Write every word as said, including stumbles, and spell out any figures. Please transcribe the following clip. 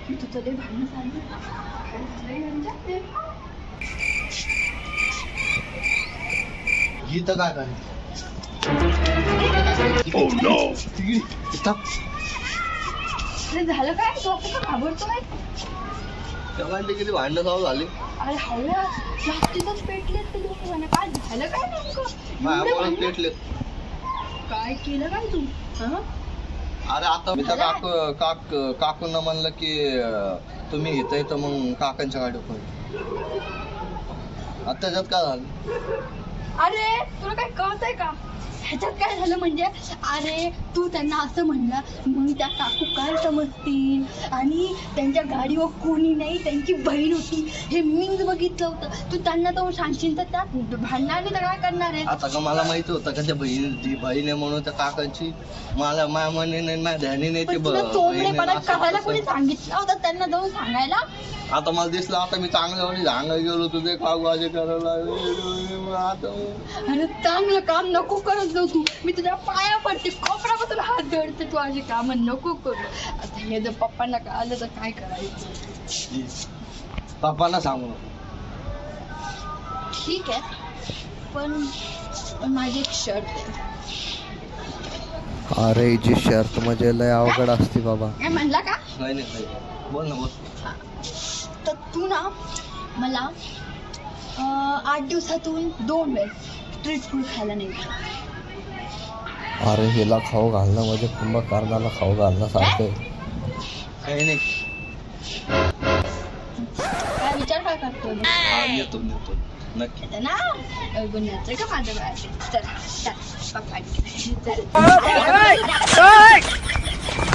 की तुझं लय भांडण झालं. काय झालंय यांच्यात? गीत काय काय अरे झालं काय? तू असं का घाबरतोय? तेव्हा किती भांडणं चालू झाली. अरे हवया जास्तीतच पेटले ते दोघं. काय झालं काय नेमकं? एवढे माझ्यामुळे भांडणं? पेटले. काय केलं काय तू? हं? अरे आता मी त्या काकू काक काकूंना म्हणलं की अं, तुम्ही इथं येतं मग काकांच्या गाडी पण आता त्याच्यात काय झालं. अरे तुला काय कळतंय का? ह्याच्यात काय झालं म्हणजे अरे तू त्यांना असं म्हणलं मग त्या काकू काय समजतील आणि त्यांच्या गाडीवर कोणी नाही त्यांची बहीण होती हे मीच बघितलं होतं. तू त्यांना तर सांगशील तर त्या भांडणाने तर काय करणार आहे? आता का मला माहिती होतं का त्या बहीण ती बहीण आहे म्हणून त्या काकांची मला माझ्या मने नाही माझ्या ध्यानी नाही ती पण तुला बहीण चोमडेपणा आहे, असं करायला तसं. कोणी सांगितलं होतं त्यांना जाऊन सांगायला? आता मला दिसलं आता मी चांगल्यावानी झांगा गेलो तुझे काकू असे करायला लागले. आता अरे चांगलं काम नको करत जाऊ तू. मी तुझ्या पाया पडते कोपऱ्यापासून हात धरते. तू अशी कामं नको करू. आता हे जर पप्पांना कळालं तर काय करायचं? पप्पांना सांगू ठीक आहे पण पण माझी एक शर्ट आहे. अरे जी शर्त म्हणजे लय अवघड असते बाबा. काय म्हणला का? नाही नाही नाही. बोल ना बोल. तर तू ना मला अं, आठ दिवसातून दोन वेळेस स्ट्रीट फूड खायला नाही. अरे हिला खाऊ घालणं म्हणजे कुंभकर्णाला खाऊ घालणं सारखं. काही नाही. काय विचार काय करतोय? हा, येतो येतो नक्की. येतं ना गुन्ह्याचं का माझं बाळ? चल चल पप्पा चल.